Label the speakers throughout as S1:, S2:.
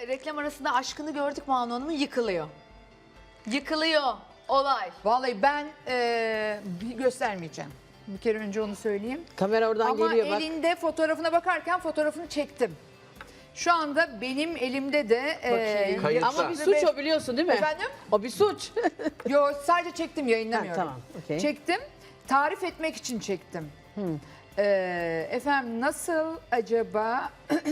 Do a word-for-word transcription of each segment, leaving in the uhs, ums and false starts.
S1: reklam arasında aşkını gördük Banu Hanım'ın, yıkılıyor. Yıkılıyor olay.
S2: Vallahi ben eee, bir göstermeyeceğim. Bir kere önce onu söyleyeyim.
S3: Kamera oradan
S2: Ama
S3: geliyor bak.
S2: elinde fotoğrafına bakarken fotoğrafını çektim. Şu anda benim elimde de eee,
S4: Kayıtta.
S3: Ama bir suç o, biliyorsun değil mi?
S2: Efendim?
S3: O bir suç.
S2: Yo, sadece çektim, yayınlamıyorum.
S3: Ha, tamam, okey.
S2: Çektim. Tarif etmek için çektim. Ee, efendim nasıl acaba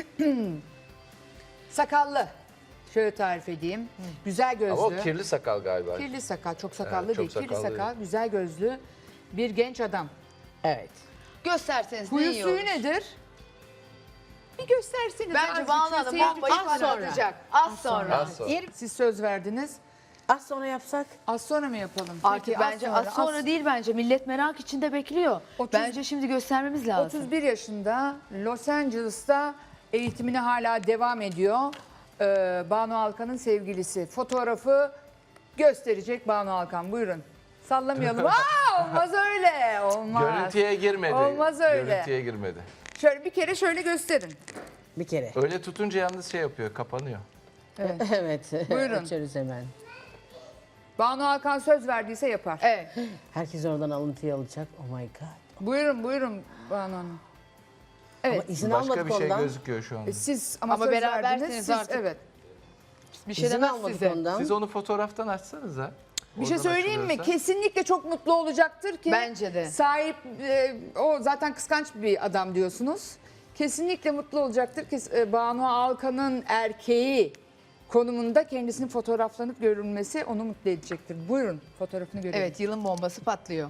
S2: sakallı. Şöyle tarif edeyim. Güzel gözlü.
S4: Ama o kirli sakal galiba.
S2: Kirli sakal, çok sakallı
S4: Evet, çok
S2: değil. Kirli
S4: sakallı
S2: sakal,
S4: değil.
S2: güzel gözlü bir genç adam.
S3: Evet.
S1: Gösterseniz ne
S2: Huyu
S1: iyi
S2: suyu
S1: olur.
S2: nedir? Bir gösterseniz.
S1: Bence
S2: azıcık
S1: Banu
S2: şu
S1: Hanım
S2: seyirci
S1: bombayı
S2: falan
S3: sonra.
S1: patlatacak. Az sonra.
S4: Az sonra.
S2: Siz söz verdiniz.
S3: Az sonra yapsak.
S2: Az sonra mı yapalım?
S1: Artık
S2: Peki,
S1: bence az sonra,
S2: az-
S1: değil bence. Millet merak içinde bekliyor.
S2: Otuz-
S1: Bence şimdi göstermemiz lazım.
S2: otuz bir yaşında Los Angeles'ta eğitimine hala devam ediyor. Ee, Banu Alkan'ın sevgilisi. Fotoğrafı gösterecek Banu Alkan. Buyurun. Sallamayalım. Aa, olmaz öyle. Olmaz.
S4: Görüntüye girmedi.
S2: Olmaz öyle.
S4: Görüntüye girmedi.
S2: Şöyle bir kere şöyle gösterin.
S3: Bir kere.
S4: Öyle tutunca yalnız şey yapıyor, kapanıyor.
S2: Evet.
S3: Evet.
S2: Buyurun.
S3: Açarız hemen.
S2: Banu Alkan söz verdiyse yapar.
S1: Evet.
S3: Herkes oradan alıntıyı alacak. Oh my god.
S2: Buyurun buyurun Banu Hanım. Evet.
S3: Ama izin
S4: Başka
S3: almadık
S4: bir şey
S3: ondan.
S4: gözüküyor şu anda.
S2: Siz ama,
S1: Ama
S2: söz
S1: berabersiniz
S2: verdiniz. Siz,
S1: artık.
S2: evet.
S1: Bir şey
S3: İzin
S1: demez
S3: almadık
S1: size.
S3: ondan.
S4: Siz onu fotoğraftan açsanıza.
S2: Bir şey
S4: Oradan
S2: söyleyeyim mi?
S4: açılıyorsa.
S2: Kesinlikle çok mutlu olacaktır ki.
S1: Bence de.
S2: Sahip, e, o zaten kıskanç bir adam diyorsunuz. Kesinlikle mutlu olacaktır ki e, Banu Alkan'ın erkeği konumunda kendisinin fotoğraflanıp görülmesi onu mutlu edecektir. Buyurun fotoğrafını görelim.
S1: Evet, yılın bombası patlıyor.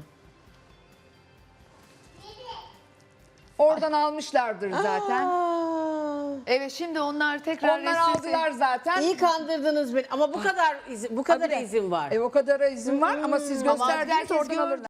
S2: Oradan almışlardır zaten.
S3: Aa,
S1: Evet, şimdi onlar tekrar
S2: Onlar
S1: resim-
S2: aldılar zaten.
S3: iyi kandırdınız beni. Ama bu kadar izin, bu kadar
S2: Tabii.
S3: izin var.
S2: E, o kadara izin var ama siz
S1: Ama
S2: gösterdiniz
S1: herkes
S2: oradan
S1: gördü.
S2: alırlar.